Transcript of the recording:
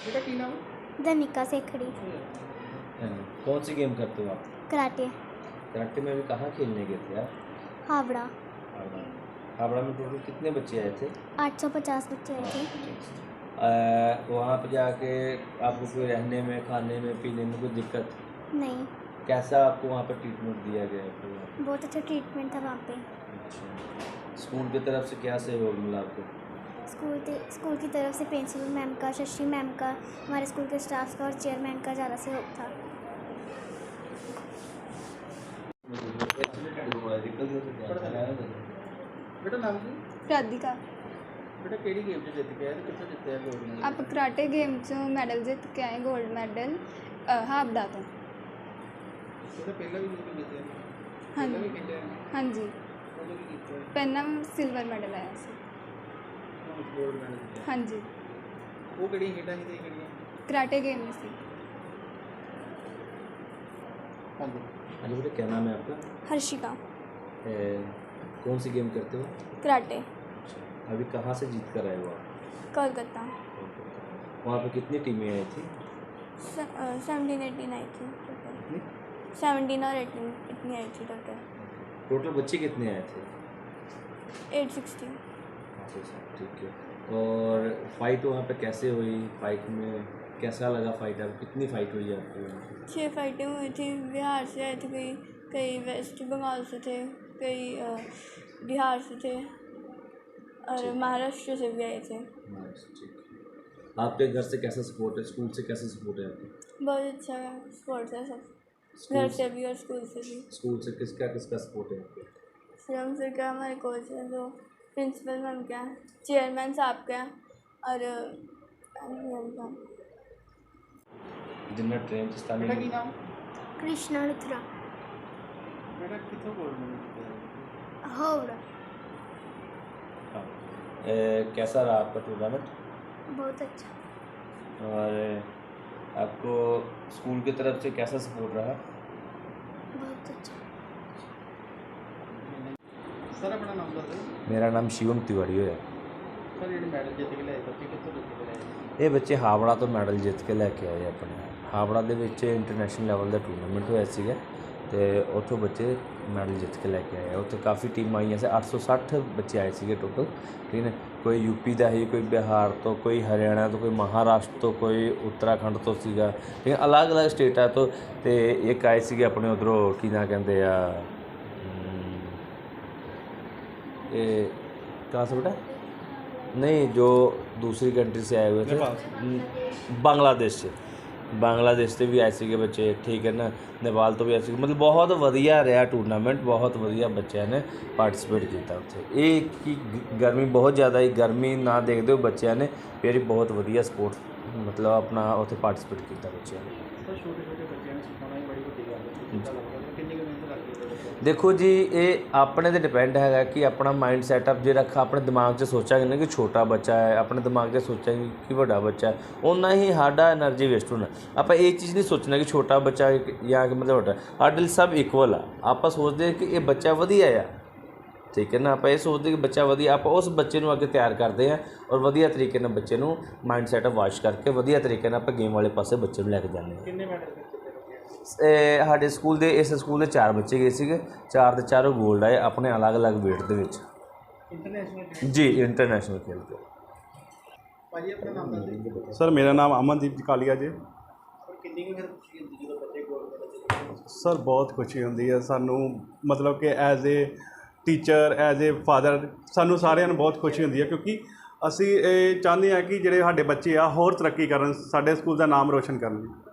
बेटा की नाम है? धनिका सेखड़ी। कौन सी गेम करते हो आप? कराटे। कराटे में भी कहाँ खेलने गए थे आप? हावड़ा। हावड़ा। हावड़ा में टोटल कितने बच्चे आए थे? 850 बच्चे आए थे। वहाँ पर जाके आपको कोई रहने में, खाने में, पीने में कोई दिक्कत? नहीं, कैसा आपको वहाँ पर ट्रीटमेंट दिया गया आपको? बहुत अच्छा ट्रीटमेंट था वहाँ पे। अच्छा, स्कूल की तरफ से क्या सहयोग मिला आपको? स्कूल की तरफ से प्रिंसिपल मैम का, शशि मैम का, हमारे स्कूल के स्टाफ का और चेयरमैन का ज़्यादा सहयोग था। बेटा नाम की राधिका। बेटा केड़ी गेम च जित के आए कितने जितते हैं गोल्ड मेडल? आप कराटे गेम चों मैडल जित के आए, गोल्ड मैडल हावड़ा तो। तो पहला भी जित के जीते हाँ पहला भी जी, खेले हैं हाँ जी। ਉਹਦੇ ਵੀ ਕੀਤਾ ਹੈ पहला सिल्वर मैडल आया सी। ਗੋਲਡ ਮੈਡਲ ਜਿੱਤਿਆ हाँ जी, ਉਹ ਕਿਹੜੀਆਂ ਖੇਡਾਂ ਸੀ ਤੇ ਕਿਹੜੀਆਂ? कराटे गेम में सी। ਹਾਂਜੀ हाँ जी बेटा, क्या नाम है आपका? हर्षिका। कौन सी गेम करते हो? कराटे। अभी कहाँ से जीत कर आए हो आप? कोलकाता। वहाँ पे कितनी टीमें आई थी? 17-18 आई थी टोटल। कितनी? 17 और 18 इतनी आई थी टोटल। टोटल बच्चे कितने आए थे? 860। अच्छा, ठीक है। और फाइट वहाँ पे कैसे हुई? फाइट में कैसा लगा फाइट? आपको कितनी फाइट हुई आपको वहाँ पे? 6 फाइटें हुई थी। बिहार से आए थे कई, कई वेस्ट बंगाल से थे, कई बिहार से थे और महाराष्ट्र से भी आए थे। बस, ठीक है। आपके घर से कैसा सपोर्ट है? स्कूल से कैसा सपोर्ट है आपको? बहुत अच्छा स्पोर्ट्स है सब, स्कूल घर से भी और स्कूल से भी। स्कूल से किसका सपोर्ट है आपको? श्रम से क्या हमारे कोच हैं, जो प्रिंसिपल मैम क्या हैं, चेयरमैन साहब क्या हैं और मैम का जिन्हें ट्रेन से बेटा स्थानीय की नाम? कृष्णा लुथरा। बेटा कितों गोल्ड मेडल जीते हैं? हावड़ा। हाँ। कैसा रहा आपका टूर्नामेंट? बहुत अच्छा। और आपको स्कूल की तरफ से कैसा सपोर्ट रहा? बहुत अच्छा। सर अपना नाम दस दो। मेरा नाम शिवम तिवारी है। सर ये मैडल जित के लाए बच्चे कितों जित के लाए? ये बच्चे हावड़ा तो मैडल जित के लैके आए अपने। हावड़ा ਦੇ ਵਿੱਚ ਇੰਟਰਨੈਸ਼ਨਲ ਲੈਵਲ ਦਾ ਟੂਰਨਾਮੈਂਟ ਹੋਇਆ ਸੀਗਾ ਤੇ ਉੱਥੋਂ ਬੱਚੇ ਮੈਡਲ ਜਿੱਤ ਕੇ ਲੈ ਕੇ ਆਏ। ਉੱਥੇ ਕਾਫੀ ਟੀਮਾਂ ਆਈਆਂ ਸੀ, 860 ਬੱਚੇ ਆਏ ਸੀਗੇ ਟੋਟਲ, ਠੀਕ ਨੇ। ਕੋਈ यूपी ਦਾ ਸੀ, ਕੋਈ ਬਿਹਾਰ ਤੋਂ, ਕੋਈ ਹਰਿਆਣਾ ਤੋਂ, ਕੋਈ ਮਹਾਰਾਸ਼ਟਰ ਤੋਂ, ਕੋਈ ਉੱਤਰਾਖੰਡ ਤੋਂ ਸੀਗਾ, ਠੀਕ ਹੈ। ਅਲੱਗ-ਅਲੱਗ ਸਟੇਟਾਂ ਤੋਂ ਤੇ ਇੱਕ ਆਏ ਸੀਗੇ ਆਪਣੇ ਉਧਰੋਂ, ਕੀ ਨਾਂ ਕਹਿੰਦੇ ਆ, ये कहाँ से बेटा? नहीं, जो दूसरी कंट्री से आए हुए थे, बांग्लादेश से भी आए थे बच्चे, ठीक है ना। नेपाल तो भी आए थे। मतलब बहुत वधिया रहा टूर्नामेंट, बहुत वधिया बच्चों ने पार्टिसिपेट किया उत्थे। एक कि गर्मी बहुत ज़्यादा ही, गर्मी ना देखते हुए बच्चों ने फिर बहुत वधिया स्पोर्ट्स मतलब अपना उत्थे पार्टिसिपेट किया बच्चों ने। सर छोटे छोटे बच्चों ने सिखाना ही बड़ी वड्डी गल है। कितनी कुछ मेहनत लगती है? देखो जी, ये अपने ते डिपेंड है कि अपना माइंड सैटअप जे रखा अपने दिमाग 'ਚ सोचांगे ना कि छोटा बच्चा है, अपने दिमाग 'ਚ सोचांगे कि बड़ा बच्चा है, उन्ना ही साडा एनर्जी वेस्ट होना। आप ये चीज़ नहीं सोचना कि छोटा बच्चा या कि मतलब बड़ा, साडे सब इक्वल आ। आप सोचते कि ये बच्चा वधिया आ, ठीक है ना। आप ये सोचते कि बच्चा वधिया, आप उस बच्चे को अगे तैयार करते हैं और वधिया तरीके नाल बच्चे को माइंड सैटअप वाश करके वधिया तरीके नाल आप गेम वाले पासे बच्चे को लैके जाते हैं। कितने मैडल जीते? ਸਾਡੇ ਸਕੂਲ ਦੇ, ਇਸ ਸਕੂਲ ਦੇ 4 ਬੱਚੇ ਗਏ ਸੀਗੇ, 4 ਦੇ 4 ਗੋਲਡ ਆਏ ਆਪਣੇ ਅਲੱਗ-ਅਲੱਗ ਵੇਟ ਦੇ ਵਿੱਚ। इंटरनेशनल ਜੀ ਇੰਟਰਨੈਸ਼ਨਲ ਖੇਲ ਕੇ। भाजी अपना नाम दस दो। सर मेरा नाम अमनदीप कालिया जी। और कितनी की फिर खुशी होती है जो बच्चे गोल्ड मेडल जीतते हैं? सर बहुत खुशी ਹੁੰਦੀ ਹੈ ਸਾਨੂੰ, ਮਤਲਬ ਕਿ as a teacher, as a father, ਸਾਨੂੰ ਸਾਰਿਆਂ ਨੂੰ ਬਹੁਤ ਖੁਸ਼ੀ ਹੁੰਦੀ ਹੈ ਕਿਉਂਕਿ ਅਸੀਂ ਇਹ ਚਾਹੁੰਦੇ ਹਾਂ ਕਿ ਜਿਹੜੇ ਸਾਡੇ ਬੱਚੇ ਆ ਹੋਰ ਤਰੱਕੀ ਕਰਨ, ਸਾਡੇ ਸਕੂਲ ਦਾ ਨਾਮ ਰੋਸ਼ਨ ਕਰਨ।